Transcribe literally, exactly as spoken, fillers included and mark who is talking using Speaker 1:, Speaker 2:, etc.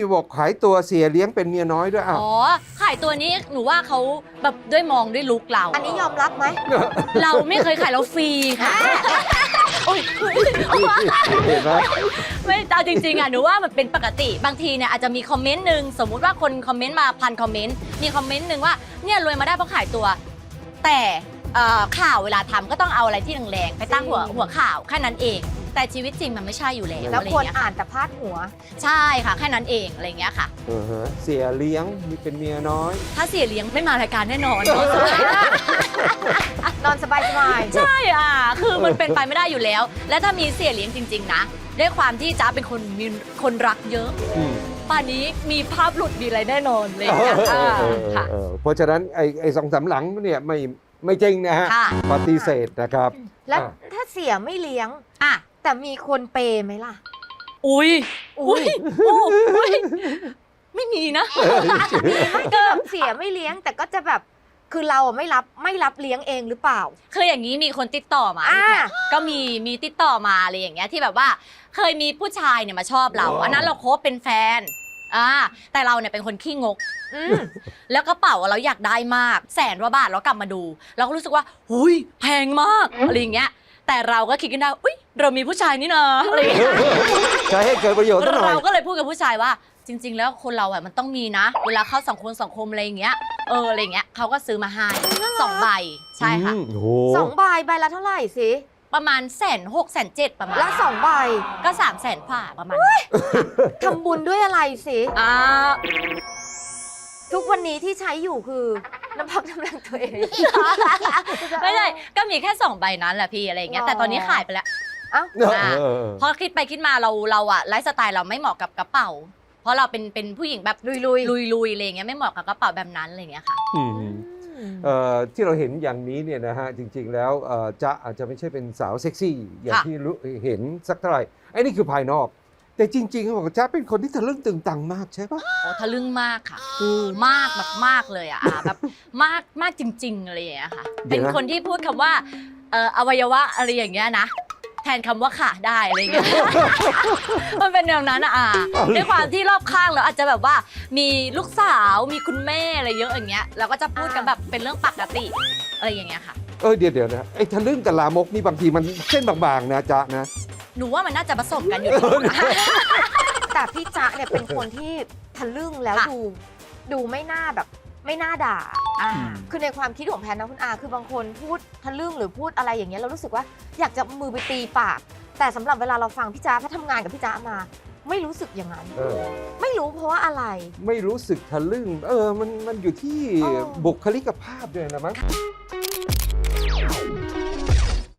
Speaker 1: บอกขายตัวเสียเลี้ยงเป็นเมียน้อยด้วยอ้าว
Speaker 2: อ๋อขายตัวนี้หนูว่าเขาแบบด้วยมองด้วยลุคเรา
Speaker 3: อันนี้ยอมรับไหม
Speaker 2: เราไม่เคยขายเราฟรีค่ะโอ้ย
Speaker 1: เห็นไหม
Speaker 2: ไม่เอาจริงๆอ่ะหนูว่ามันเป็นปกติบางทีเนี่ยอาจจะมีคอมเมนต์หนึ่งสมมุติว่าคนคอมเมนต์มาพันคอมเมนต์มีคอมเมนต์หนึ่งว่าเนี่ยรวยมาได้เพราะขายตัว แต่เอ่อข่าวเวลาทำก็ต้องเอาอะไรที่แรงๆไปตั้งหัวหัวข่าวแค่นั้นเอง แต่ชีวิตจริงมันไม่ใช่อยู่แล้ว
Speaker 3: แล้ว
Speaker 2: อะไร
Speaker 3: ควร
Speaker 2: เงี้ย
Speaker 3: อ่า
Speaker 2: ค่ะ
Speaker 3: นแต่พาดหัว
Speaker 2: ใช่ค่ะแค่นั้นเองอะไรเงี้ยค่ะ
Speaker 1: เออฮะเสียเลี้ยงมีเป็นเมียน้อย
Speaker 2: ถ้าเสียเลี้ยงไม่มารายการแน่นอน
Speaker 3: นอนสบายสบาย
Speaker 2: ใช่อ่ะ คือมันเป็นไปไม่ได้อยู่แล้ว และถ้ามีเสียเลี้ยงจริง ๆ นะ ด้วยความที่จ๊ะเป็นคนมีคนรักเยอะ
Speaker 1: อืม
Speaker 2: ป่านนี้มีภาพหลุดมีอะไรแน่นอนเลยนะ
Speaker 1: เออเออ
Speaker 2: ค่ะ
Speaker 1: เออเพราะฉะนั้นไอ้ไอ้สองสามหลังเนี่ยไม่ไม่จริงนะฮะ
Speaker 2: ค่ะ
Speaker 1: ปฏิเสธนะครับ
Speaker 3: แล้ว
Speaker 1: อ่ะ
Speaker 3: ถ้าเสียไม่เลี้ยง
Speaker 2: อ่ะ
Speaker 3: แต่มีคนเปย์ไหมล่ะ
Speaker 2: อุ้ย
Speaker 3: อุ๊
Speaker 2: อุ้
Speaker 3: ย
Speaker 2: ยอุ้ยไม่มีนะ
Speaker 3: ไม่ก็แบบเสียไม่เลี้ยง แต่ก็จะแบบคือเราอะไม่รับไม่รับเลี้ยงเองหรือเปล่า
Speaker 2: คืออย่างนี้มีคนติดต่อมา
Speaker 3: อ่า
Speaker 2: ก็มีมีติดต่อมาอะไรอย่างเงี้ยที่แบบว่าเคยมีผู้ชายเนี่ยมาชอบเรา
Speaker 1: ว้าว
Speaker 2: อันนั้นเราคบเป็นแฟนอ่าแต่เราเนี่ยเป็นคนขี้งก
Speaker 3: อืม
Speaker 2: แล้วกระเป๋าเราอยากได้มากแสนกว่าบาทเรากลับมาดู เราก็รู้สึกว่าหุยแพงมากอะไรอย่างเงี้ยแต่เราก็คิดกันได้อุ้ยเรามีผู้ชายนี่นะอะไรอย่างเงี้ย
Speaker 1: ใช้ให้เกิดประโยชน์ซะหน่อย
Speaker 2: เราก็เลยพูดกับผู้ชายว่า จริง ๆ แล้วคนเราอ่ะมันต้องมีนะ เวลาเข้าสังคมสังคมอะไรอย่างเงี้ยเอออะไรอย่างเงี้ยเขาก็ซื้อมาให้สองใบใช่ค่ะ
Speaker 1: อืมโอ้โห
Speaker 3: สองใบใบละเท่าไหร่สิ
Speaker 2: ประมาณแสนหกแสนเจ็ดประมาณ
Speaker 3: ละสองใบ
Speaker 2: ก็สามแสนผ่าประมาณ
Speaker 3: ทำบุญด้วยอะไรสิ
Speaker 2: อ่า
Speaker 3: ทุกวันนี้ที่ใช้อยู่คือน้ำพักน้ำแรงตัวเอง
Speaker 2: ไม่ใช่ก็มีแค่สองใบนั้นแหละพี่อะไรอย่างเงี้ยแต่ตอนนี้ขายไปแล้ว
Speaker 3: เอ้า
Speaker 1: เออเออเออ
Speaker 2: พอคิดไปคิดมาเราเราอะไลฟ์สไตล์เราไม่เหมาะกับกระเป๋า เพราะเราเป็นเป็นผู้หญิงแบบ
Speaker 3: ลุยลุย
Speaker 2: ลุยลุยอะไรอย่างเงี้ยไม่เหมาะกับกระเป๋าแบบนั้นอะไรอย่างเงี้ยค่ะ
Speaker 1: อืมเอ่อที่เราเห็นอย่างนี้เนี่ยนะฮะจริง ๆ แล้วเอ่อจะอาจจะไม่ใช่เป็นสาวเซ็กซี่ อย่าง
Speaker 2: ค่ะ
Speaker 1: ที่รู้เห็นสักเท่าไหร่ไอ้นี่คือภายนอก แต่จริงๆเขาบอกจ๊ะเป็นคนที่ทะลึ่งตึงตังมากใช่ปะ
Speaker 2: โอ้ทะลึ่งมากค่ะ
Speaker 1: อืม
Speaker 2: มากแบบมากเลยอะอ่ะแบบมากมากจริงๆอะไรอย่างเงี้ยค่ะ
Speaker 1: เดี๋
Speaker 2: เป็
Speaker 1: ยวน นะ
Speaker 2: คนที่พูดคำว่าเอ่ออวัยวะอะไรอย่างเงี้ยนะแทนคำว่าค่ะได้อะไรอย่างเงี้ย มันเป็นแนวนั้นอะอ่ะด้วยความที่รอบข้างเราอาจจะแบบว่ามีลูกสาวมีคุณแม่อะไรเยอะอย่างเงี้ยเราก็จะพูดกันแบบเป็นเรื่องปกติอะไรอย่างเงี้ยค่ะ
Speaker 1: เออเดี๋ยวเดี๋ยวนะไอ้ทะลึ่งกับลามกนี่บางทีมันเส้นบางๆนะจ๊ะนะ
Speaker 2: หนูว่ามันน่าจะผสมกันอยู่
Speaker 3: แต่พี่จ๊ะเนี่ยเป็นคนที่ทะลึ่งแล้ว
Speaker 2: ค่ะ
Speaker 3: ดูดูไม่น่าแบบไม่น่าด่า
Speaker 2: อ่า
Speaker 3: คือในความคิดของแพนนะคุณอาคือบางคนพูดทะลึ่งหรือพูดอะไรอย่างเงี้ยเรารู้สึกว่าอยากจะมือไปตีปาก แต่สำหรับเวลาเราฟังพี่จ๊ะเพราะทำงานกับพี่จ๊ะมา ไม่รู้สึกอย่างนั้น
Speaker 1: เออ
Speaker 3: ไม่รู้เพราะว่าอะไร
Speaker 1: ไม่รู้สึกทะลึ่งเออมันมันอยู่ที่
Speaker 3: เออ
Speaker 1: บุคลิกภาพด้วยนะมั้ง